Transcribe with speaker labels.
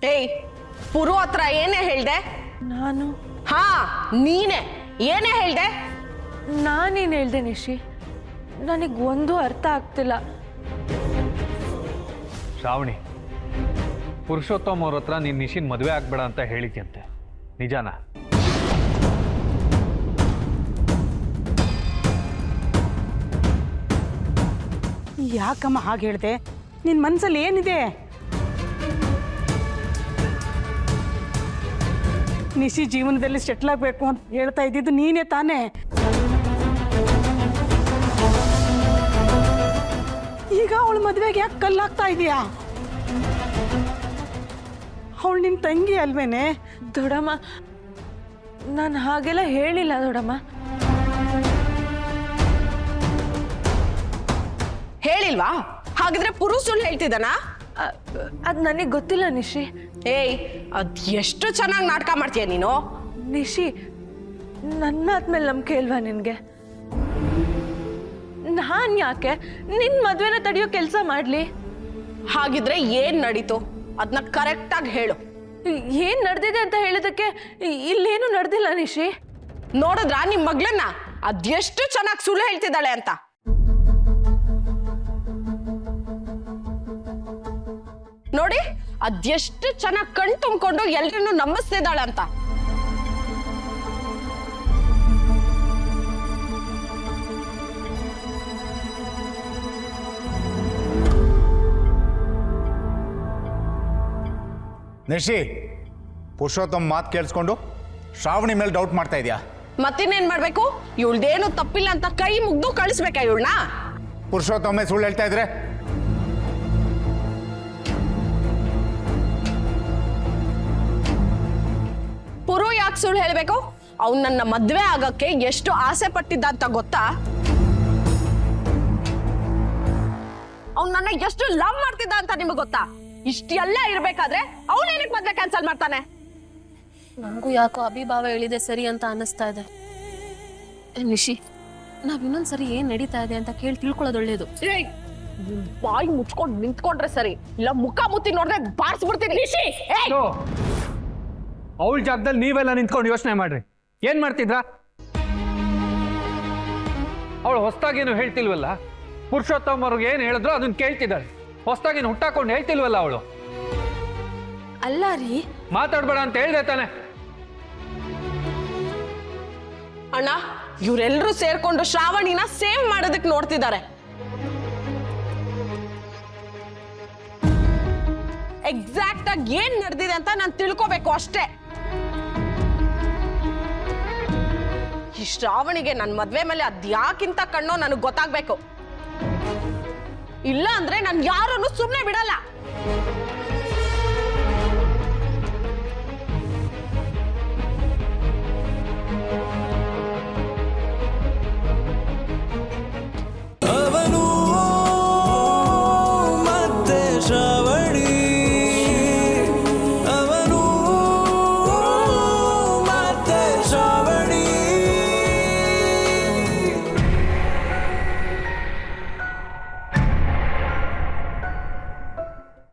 Speaker 1: ಏಯ್ ಪುರು ಹತ್ರ ಏನೇ ಹೇಳ್ದೆ?
Speaker 2: ನಾನು
Speaker 1: ಹಾ ನೀನೆ ಏನೇ ಹೇಳ್ದೆ?
Speaker 2: ನಾನೇನು ಹೇಳ್ದೆ ನಿಶಿ? ನನಗೊಂದು ಅರ್ಥ ಆಗ್ತಿಲ್ಲ.
Speaker 3: ಶ್ರಾವಣಿ, ಪುರುಷೋತ್ತಮ್ ಅವ್ರ ಹತ್ರ ನೀನು ನಿಶಿನ್ ಮದುವೆ ಆಗ್ಬೇಡ ಅಂತ ಹೇಳಿದ್ಯಂತೆ, ನಿಜಾನ?
Speaker 4: ಯಾಕಮ್ಮ ಹಾಗೆ ಹೇಳ್ದೆ? ನಿನ್ನ ಮನಸ್ಸಲ್ಲಿ ಏನಿದೆ? ನಿಶಿ ಜೀವನದಲ್ಲಿ ಸೆಟ್ಲ್ ಆಗಬೇಕು ಅಂತ ಹೇಳ್ತಾ ಇದ್ದಿದ್ದು ನೀನೇ ತಾನೇ? ಈಗ ಅವಳ ಮದುವೆಗೆ ಯಾಕೆ ಕಲ್ಲಾಗ್ತಾ ಇದೆಯಾ? ಅವಳು ನಿನ್ನ ತಂಗಿ ಅಲ್ವೇನೆ?
Speaker 2: ದೊಡ್ಡಮ್ಮ, ನಾನು ಹಾಗೆಲ್ಲ ಹೇಳಿಲ್ಲ ದೊಡ್ಡಮ್ಮ.
Speaker 1: ಹೇಳಿಲ್ವಾ? ಹಾಗಿದ್ರೆ ಪುರು ಸುಳ್ಳು ಹೇಳ್ತಿದ್ದಾನ?
Speaker 2: ಅದು ನನಗೆ ಗೊತ್ತಿಲ್ಲ ನಿಶಿ.
Speaker 1: ಏಯ್ ಅದ್ ಎಷ್ಟು ಚೆನ್ನಾಗಿ ನಾಟಕ ಮಾಡ್ತೀಯ ನೀನು.
Speaker 2: ನಿಶಿ, ನನ್ನ ಆದ್ಮೇಲೆ ನಂಬಿಕೆ ಇಲ್ವಾ ನಿನಗೆ? ನಾನು ಯಾಕೆ ನಿನ್ನ ಮದುವೆನ ತಡೆಯೋ ಕೆಲಸ ಮಾಡಲಿ?
Speaker 1: ಹಾಗಿದ್ರೆ ಏನ್ ನಡೀತು ಅದನ್ನ ಕರೆಕ್ಟಾಗಿ ಹೇಳು.
Speaker 2: ಏನು ನಡೆದಿದೆ ಅಂತ ಹೇಳೋದಕ್ಕೆ ಇಲ್ಲೇನು ನಡೆದಿಲ್ಲ ನಿಶಿ.
Speaker 1: ನೋಡಿದ್ರಾ ನಿಮ್ ಮಗ್ಳನ್ನ ಅದೆಷ್ಟು ಚೆನ್ನಾಗಿ ಸುಳ್ಳು ಹೇಳ್ತಿದ್ದಾಳೆ ಅಂತ? ನೋಡಿ ಅದೆಷ್ಟು ಚೆನ್ನಾಗಿ ಕಣ್ ತುಂಬಿಕೊಂಡು ಎಲ್ರನ್ನೂ ನಂಬಿಸ್ತಿದ್ದಾಳೆ ಅಂತ.
Speaker 5: ನಿಶಿ, ಪುರುಷೋತ್ತಮ್ ಮಾತು ಕೇಳಿಸ್ಕೊಂಡು ಶ್ರಾವಣಿ ಮೇಲೆ ಡೌಟ್ ಮಾಡ್ತಾ ಇದೆಯಾ?
Speaker 1: ಮತ್ತಿನ್ನೇನ್ ಮಾಡ್ಬೇಕು? ಇವಳ್ದೇನು ತಪ್ಪಿಲ್ಲ ಅಂತ ಕೈ ಮುಗ್ದು ಕಳಿಸ್ಬೇಕಾ ಇವಳನ್ನ?
Speaker 5: ಪುರುಷೋತ್ತಮೇ ಸುಳ್ಳು ಹೇಳ್ತಾ ಇದ್ರೆ?
Speaker 1: ಪುರು ಯಾಕೆ ಸುಳ್ಳು ಹೇಳ್ಬೇಕು? ಅವ್ನು ನನ್ನ ಮದ್ವೆ ಆಗಕ್ಕೆ ಎಷ್ಟು ಆಸೆ ಪಟ್ಟಿದ್ದ ಅಂತ ಗೊತ್ತಾ? ಅವ್ನು ನನ್ನ ಎಷ್ಟು ಲವ್ ಮಾಡ್ತಿದ್ದ ಅಂತ ನಿಮಗೆ ಗೊತ್ತಾ? ಇಷ್ಟೆಲ್ಲ ಇರ್ಬೇಕಾದ್ರೆ ಅವನೇನಕ್ಕೆ ಮದ್ವೆ ಕ್ಯಾನ್ಸಲ್ ಮಾಡ್ತಾನೆ?
Speaker 6: ನನಗೂ ಯಾಕೋ ಅಭಿಭಾವ ಹೇಳಿದೆ ಸರಿ ಅಂತ ಅನ್ನಿಸ್ತಾ ಇದೆ. ನಿಶಿ, ನಾವ್ ಇನ್ನೊಂದ್ಸರಿ ಏನ್ ನಡೀತಾ ಇದೆ ಅಂತ ಕೇಳಿ ತಿಳ್ಕೊಳ್ಳೋದು ಒಳ್ಳೇದು.
Speaker 1: ಬಾಯಿ ಮುಚ್ಕೊಂಡು ನಿಂತ್ಕೊಂಡ್ರೆ ಸರಿ, ಇಲ್ಲ ಮುಖ ಮುತ್ತಿ ನೋಡಿದ್ರೆ ಬಾರಿಸ್ಬಿಡ್ತೀನಿ. ನಿಶಿ,
Speaker 3: ಅವಳ ಜಾಗದಲ್ಲಿ ನೀವೆಲ್ಲ ನಿಂತ್ಕೊಂಡು ಯೋಚನೆ ಮಾಡ್ರಿ. ಏನ್ ಮಾಡ್ತಿದ್ರ? ಅವಳು ಹೊಸ್ದಾಗೇನು ಹೇಳ್ತಿಲ್ವಲ್ಲ. ಪುರುಷೋತ್ತಮ್ ಅವ್ರಿಗೆ ಏನ್ ಹೇಳಿದ್ರು ಅದನ್ನ ಕೇಳ್ತಿದ್ದಾಳೆ. ಹೊಸ್ದಾಗೇನು ಹುಟ್ಟಾಕೊಂಡು ಹೇಳ್ತಿಲ್ವಲ್ಲ ಅವಳು.
Speaker 2: ಅಲ್ಲ ರೀ,
Speaker 3: ಮಾತಾಡ್ಬೇಡ ಅಂತ ಹೇಳ್ದೆ ತಾನೆ?
Speaker 1: ಅಣ್ಣ, ಇವರೆಲ್ಲರೂ ಸೇರ್ಕೊಂಡು ಶ್ರಾವಣಿನ ಸೇವ್ ಮಾಡೋದಕ್ಕೆ ನೋಡ್ತಿದ್ದಾರೆ. ಎಕ್ಸಾಕ್ಟ್ ಆಗಿ ಏನ್ ನಡೆದಿದೆ ಅಂತ ನಾನು ತಿಳ್ಕೋಬೇಕು ಅಷ್ಟೇ. ಈ ಶ್ರಾವಣಿಗೆ ನನ್ನ ಮದ್ವೆ ಮೇಲೆ ಅದ್ಯಾಕಿಂತ ಕಣ್ಣೋ ನನಗೆ ಗೊತ್ತಾಗ್ಬೇಕು. ಇಲ್ಲ ಅಂದ್ರೆ ನಾನು ಯಾರನ್ನು ಸುಮ್ಮನೆ ಬಿಡಲ್ಲ.